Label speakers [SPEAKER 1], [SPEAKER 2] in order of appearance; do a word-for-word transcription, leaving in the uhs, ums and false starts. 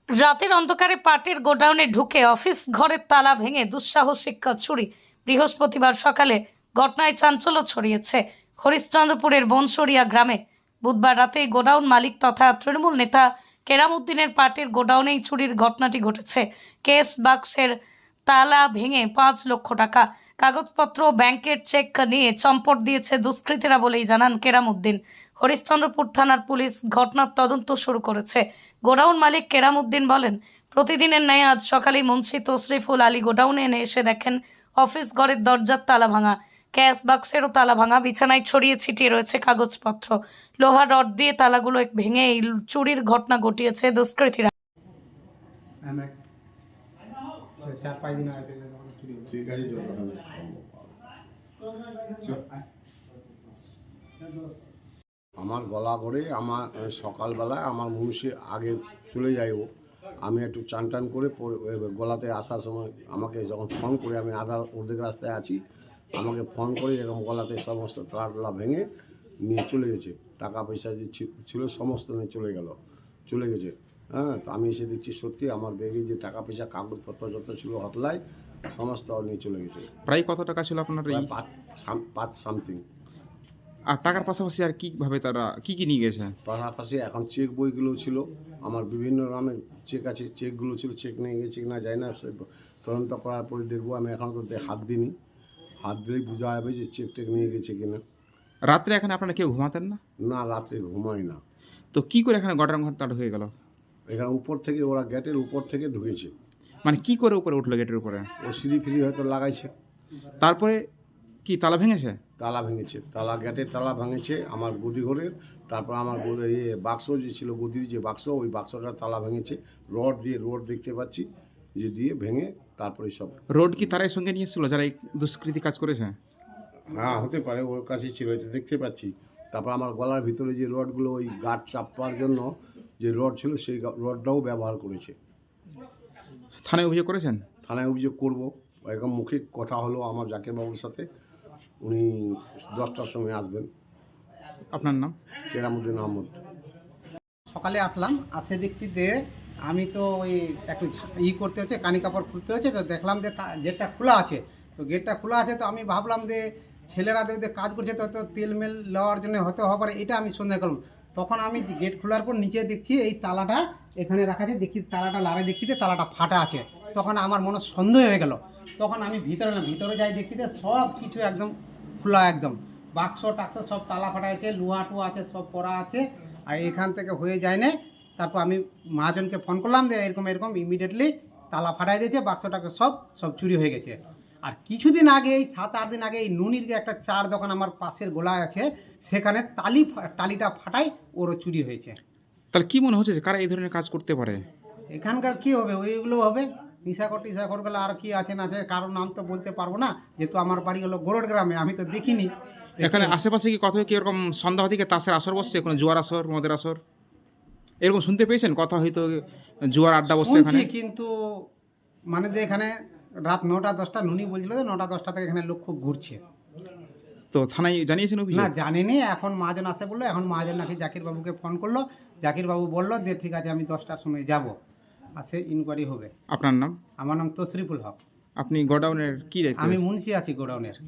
[SPEAKER 1] রাতের অন্ধকারে পাটের গোডাউনে ঢুকে অফিস ঘরের তালা ভেঙে দুঃসাহসিক চুরি। বৃহস্পতিবার সকালে ঘটনায় চাঞ্চল্য ছড়িয়েছে হরিশ্চন্দ্রপুরের বনসরিয়া গ্রামে। বুধবার রাতে গোডাউন মালিক তথা তৃণমূল নেতা কেরামউদ্দিনের পাটের গোডাউনেই চুরির ঘটনাটি ঘটেছে। কেস বাক্সের তালা ভেঙে পাঁচ লক্ষ টাকা, কাগজপত্র, ব্যাংকের চেক নিয়ে চম্পট দিয়েছে দুষ্কৃতীরা বলেই জানান কেরামউদ্দিন। হরিশ্চন্দ্রপুর থানার পুলিশ ঘটনার তদন্ত শুরু করেছে। গোডাউন মালিক কেরামউদ্দিন বলেন, প্রতিদিনের ন্যায় আজ সকালে মুন্সি তশরিফুল আলী গোডাউনে এনে এসে দেখেন অফিস ঘরের দরজার তালা ভাঙা, ক্যাশ বাক্সেরও তালা ভাঙা, বিছানায় ছড়িয়ে ছিটিয়ে রয়েছে কাগজপত্র। লোহা রড দিয়ে তালাগুলো ভেঙে এই চুরির ঘটনা ঘটিয়েছে দুষ্কৃতীরা।
[SPEAKER 2] আমার গলা করে আমার সকালবেলায় আমার মুন্সি আগে চলে যায়, ও আমি একটু চান টান করে গলাতে আসার সময় আমাকে যখন ফোন করে, আমি আধা অর্ধেক রাস্তায় আছি, আমাকে ফোন করে এরকম গলাতে সমস্ত তালা টালা ভেঙে নিয়ে চলে গেছে। টাকা পয়সা যে ছিল সমস্ত নিয়ে চলে গেল চলে গেছে হ্যাঁ, তো আমি এসে দেখছি সত্যি আমার ব্যাগে যে টাকা পয়সা কাগজপত্র যত ছিল হতলায় সমস্ত নিয়ে চলে গেছে।
[SPEAKER 3] প্রায় কত টাকা ছিল আপনার?
[SPEAKER 2] পাঁচ পাঁচ সামথিং।
[SPEAKER 3] আর টাকার পাশাপাশি আর কীভাবে তারা কি কি নিয়ে গেছে?
[SPEAKER 2] পাশাপাশি এখন চেক বইগুলো ছিল, আমার বিভিন্ন নামে চেক আছে, চেকগুলো ছিল, চেক নিয়ে গেছে কিনা যায় না, সে তদন্ত করার পরে দেখবো। আমি এখন তো হাত দিইনি, হাত দিলেই বোঝা যাবে যে চেক টেক নিয়ে গেছে কিনা।
[SPEAKER 3] রাত্রে এখানে আপনারা কেউ ঘুমাতেন না?
[SPEAKER 2] না, রাত্রে ঘুমাই না।
[SPEAKER 3] তো কি করে এখানে গটার ঘরটা ঢুকে গেল?
[SPEAKER 2] এখানে উপর থেকে ওরা গেটের উপর থেকে ঢুকেছে।
[SPEAKER 3] মানে কি করে উপরে উঠলো গেটের উপরে?
[SPEAKER 2] ও সিঁড়ি ফিরি হয়তো লাগাইছে,
[SPEAKER 3] তারপরে কি তালা ভেঙেছে?
[SPEAKER 2] তালা ভেঙেছে, তালা গেটের তালা ভেঙেছে আমার গদি ঘরের। তারপর আমার ইয়ে বাক্স যে ছিল, গদির যে বাক্স, ওই বাক্সটার তালা ভেঙেছে রড দিয়ে, রড দেখতে পাচ্ছি যে দিয়ে ভেঙে তারপরে সব।
[SPEAKER 3] রোড কি তারাই সঙ্গে নিয়ে এসেছিল যারা এই দুষ্কৃতি কাজ করেছে?
[SPEAKER 2] হ্যাঁ, হতে পারে, ওর কাছে ছিল, এটা দেখতে পাচ্ছি। তারপর আমার গলার ভিতরে যে রডগুলো, ওই গাঁট চাপার জন্য যে রড ছিল, সেই রডটাও ব্যবহার করেছে।
[SPEAKER 3] থানায় অভিযোগ করেছেন?
[SPEAKER 2] থানায় অভিযোগ করব। এরকম মুখে কথা হলো আমার জাকির বাবুর সাথে, উনি দশটার সময় আসবেন।
[SPEAKER 3] আপনার নাম?
[SPEAKER 2] কেরামউদ্দিন আহমদ।
[SPEAKER 4] সকালে আসলাম, আসে দেখছি যে আমি তো ওই একটু ই করতে হচ্ছে, কানি কাপড় খুলতে হচ্ছে, তো দেখলাম যে গেটটা খোলা আছে। তো গেটটা খোলা আছে, তো আমি ভাবলাম যে ছেলেরা দেখতে কাজ করছে, তো তো তেল মেল নেওয়ার জন্য হতে হবে পারে, এটা আমি সন্দেহ করলাম। তখন আমি গেট খোলার পর নিচে দেখছি এই তালাটা এখানে রাখা আছে, দেখছি তালাটা লাড়ে, দেখছি যে তালাটা ফাটা আছে। তখন আমার মনে সন্দেহ হয়ে গেল। তখন আমি ভিতরে না ভিতরে যাই, দেখছি যে সব কিছু একদম খোলা, একদম বাক্স টাক্স সব তালা ফাটা আছে, লোহা টুয়া আছে, সব পড়া আছে। আর এখান থেকে হয়ে যায় না। তারপর আমি মহাজনকে ফোন করলাম যে এরকম এরকম ইমিডিয়েটলি তালা ফাটাই দিয়েছে, বাক্সটাকে সব সব চুরি হয়ে গেছে। আর কিছুদিন আগে, এই সাত আট দিন আগে, এই নুনির যে একটা চার দোকান আমার পাশের গোলায় আছে, সেখানে তালি টালিটা ফাটাই ওরও চুরি হয়েছে।
[SPEAKER 3] তাহলে কি মনে হচ্ছে যে কারা এই ধরনের কাজ করতে পারে?
[SPEAKER 4] এখানকার কি হবে, ওইগুলো হবে নিশাকর টিশাকর গেলে। আর কি আছে না আছে, কারোর নাম তো বলতে পারবো না, যেহেতু আমার বাড়ি হলো গোরড গ্রামে, আমি তো দেখিনি।
[SPEAKER 3] এখানে আশেপাশে কি কথা কি এরকম সন্দেহ থেকে তাসের আসর বসছে, কোনো জুয়ার আসর, মদের আসর এরকম শুনতে পেয়েছেন? কথা হয়তো জুয়ার আড্ডা বসছে এখানে,
[SPEAKER 4] কিন্তু মানে যে এখানে রাত নটা দশটা নুনি বলছিল যে নটা দশটা থেকে এখানে লোক খুব ঘুরছে।
[SPEAKER 3] তো থানায় জানিয়েছেন অভিযোগ?
[SPEAKER 4] না, জানিনি। এখন মহাজন আসে বললো, এখন মহাজন নাকি জাকির বাবুকে ফোন করলো, জাকির বাবু বললো যে ঠিক আছে আমি দশটার সময় যাব, আসে ইনকোয়ারি হবে।
[SPEAKER 3] আপনার নাম?
[SPEAKER 4] আমার নাম তশরিফুল হক।
[SPEAKER 3] আপনি গোডাউনের কি দায়িত্ব?
[SPEAKER 4] আমি মুন্সি আছি গোডাউনের।